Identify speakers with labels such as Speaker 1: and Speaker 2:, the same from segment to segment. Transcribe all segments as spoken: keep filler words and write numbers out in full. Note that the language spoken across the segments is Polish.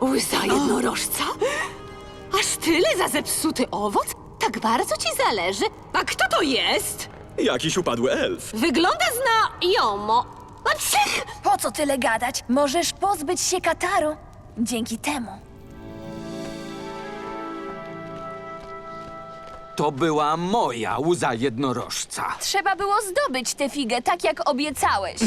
Speaker 1: Łza jednorożca? Aż tyle za zepsuty owoc? Tak bardzo ci zależy? A kto to jest?
Speaker 2: Jakiś upadły elf.
Speaker 1: Wygląda znajomo. A cych!
Speaker 3: Po co tyle gadać? Możesz pozbyć się kataru dzięki temu.
Speaker 4: To była moja łza jednorożca.
Speaker 3: Trzeba było zdobyć tę figę, tak jak obiecałeś.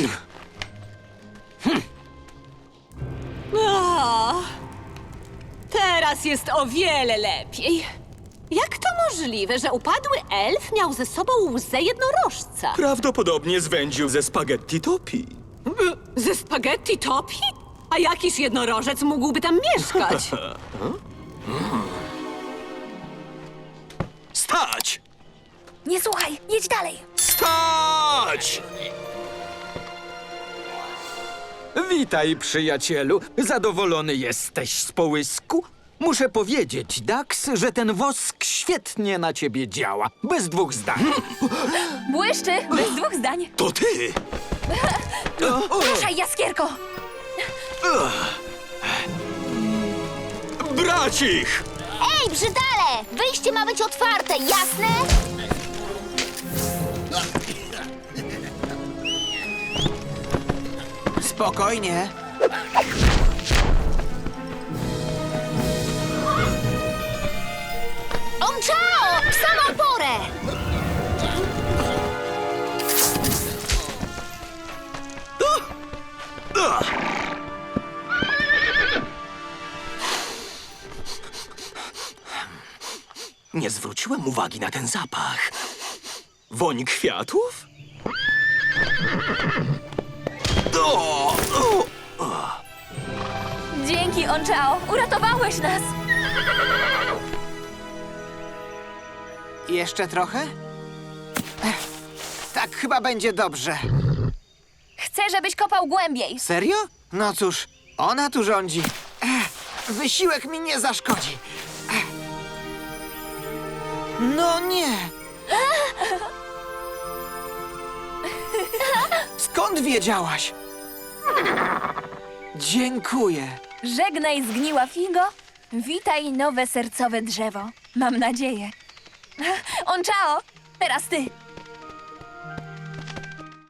Speaker 1: O, teraz jest o wiele lepiej. Jak to możliwe, że upadły elf miał ze sobą łzę jednorożca?
Speaker 2: Prawdopodobnie zwędził ze spaghetti topi.
Speaker 1: Ze spaghetti topi? A jakiż jednorożec mógłby tam mieszkać?
Speaker 2: Stać!
Speaker 3: Nie słuchaj, jedź dalej.
Speaker 2: Stać!
Speaker 4: Witaj, przyjacielu. Zadowolony jesteś z połysku? Muszę powiedzieć, Dax, że ten wosk świetnie na ciebie działa. Bez dwóch zdań.
Speaker 3: Błyszczy, bez dwóch zdań.
Speaker 2: To ty!
Speaker 3: Ruszaj, jaskierko!
Speaker 2: Bracich!
Speaker 5: Ej, brzydale! Wyjście ma być otwarte, jasne?
Speaker 6: Spokojnie.
Speaker 5: Omczao! W samą porę!
Speaker 2: Nie zwróciłem uwagi na ten zapach. Woń kwiatów? O! O!
Speaker 3: Dzięki, Onchao, uratowałeś nas.
Speaker 6: Jeszcze trochę? Ech, tak chyba będzie dobrze.
Speaker 3: Chcę, żebyś kopał głębiej.
Speaker 6: Serio? No cóż, ona tu rządzi. Ech, wysiłek mi nie zaszkodzi. Ech. No nie. Skąd wiedziałaś? Dziękuję.
Speaker 3: Żegnaj, zgniła figo. Witaj, nowe sercowe drzewo. Mam nadzieję. Onchao, teraz ty.